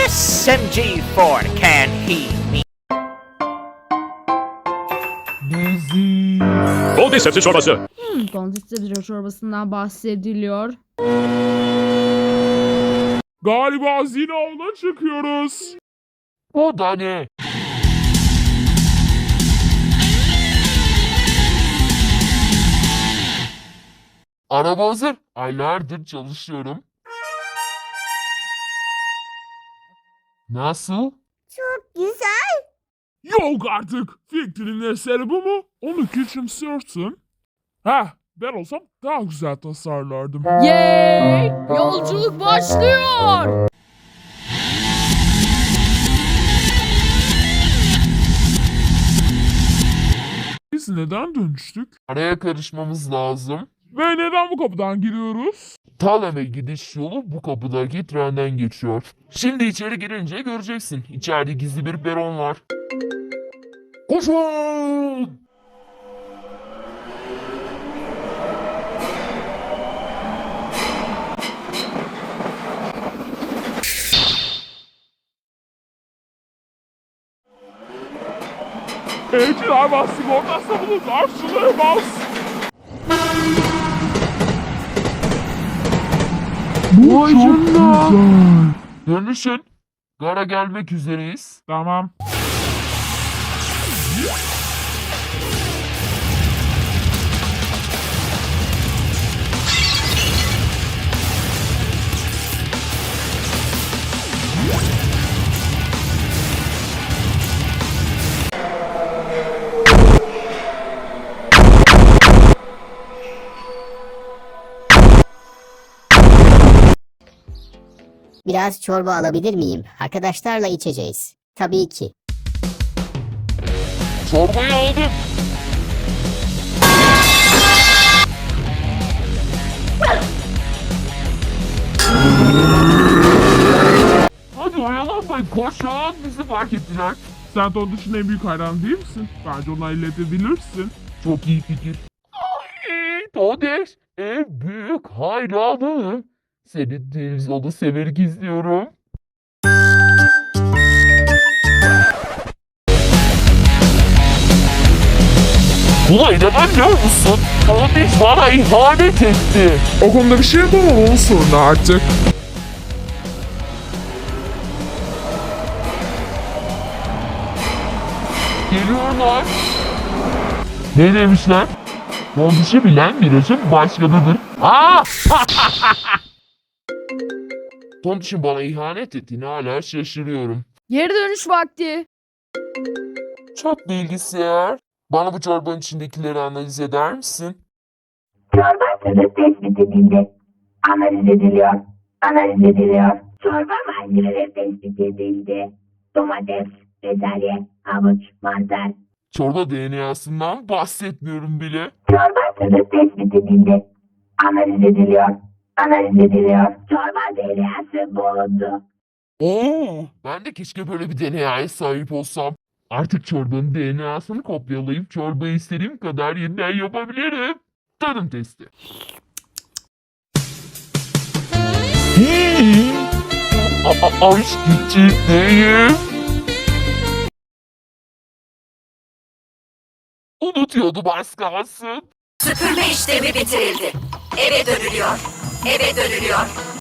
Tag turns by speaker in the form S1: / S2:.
S1: SMG4 can he me?
S2: Golden sebze çorbası.
S3: Golden sebze çorbasından bahsediliyor.
S4: Galiba hazine avına çıkıyoruz.
S5: O da ne? Araba hazır. Aylardır çalışıyorum. Nasıl?
S4: Yok artık. Fikrin eseri bu mu? Onu küçümsüyorsun. Heh, ben olsam daha güzel tasarlardım.
S3: Yay! Yolculuk başlıyor.
S4: Biz neden dönüştük?
S5: Araya karışmamız lazım.
S4: Ve neden bu kapıdan giriyoruz?
S5: Talem'e gidiş yolu bu kapıdaki trenden geçiyor. Şimdi içeri girince göreceksin. İçeride gizli bir peron var. Koşun!
S4: Evcil hayvan sigortası bunu karşılayamaz. Bu çok güzel.
S5: Dönüşün. Gara gelmek üzereyiz.
S4: Tamam.
S6: Biraz çorba alabilir miyim? Arkadaşlarla içeceğiz. Tabii ki.
S5: Çorbayı aldım. Hadi oyalanmayın, koşun, bizi fark ettiler.
S4: Sen Tontuş'un en büyük hayranı değil misin? Bence ona illetebilirsin.
S5: Çok iyi fikir. Ay, Todeş, en büyük hayranım. Seni televizyonda severek izliyorum. Buna inanamıyor musun? Todeş bana ihanet etti.
S4: O konuda bir şey yapamam, onun sorunu artık.
S5: Geliyorlar. Ne demişler? Tombiş'i bilen virajın başkanıdır. Aa! Tombiş'in bana ihanet ettiğini hala şaşırıyorum.
S3: Geri dönüş vakti.
S5: Çok bilgisayar. Bana bu çorbanın içindekileri analiz eder misin?
S7: Çorba sınıf tespit edildi. Analiz ediliyor. Analiz ediliyor. Çorba malzemeleri tespit edildi. Domates, bezelye, havuç, mantar.
S5: Çorba DNA'sından bahsetmiyorum bile.
S7: Çorba sınıf tespit edildi. Analiz ediliyor. Analiz ediliyor. Çorba DNA'sı bulundu.
S5: Oo, ben de keşke böyle bir DNA'ya sahip olsam. Artık çorbanın DNA'sını kopyalayıp çorbayı istediğim kadar yeniden yapabilirim. Tadım testi. Aç ciddiyim. Unutuyordum az kalsın.
S8: Süpürme işlemi bitirildi. Eve dönülüyor. Eve dönülüyor.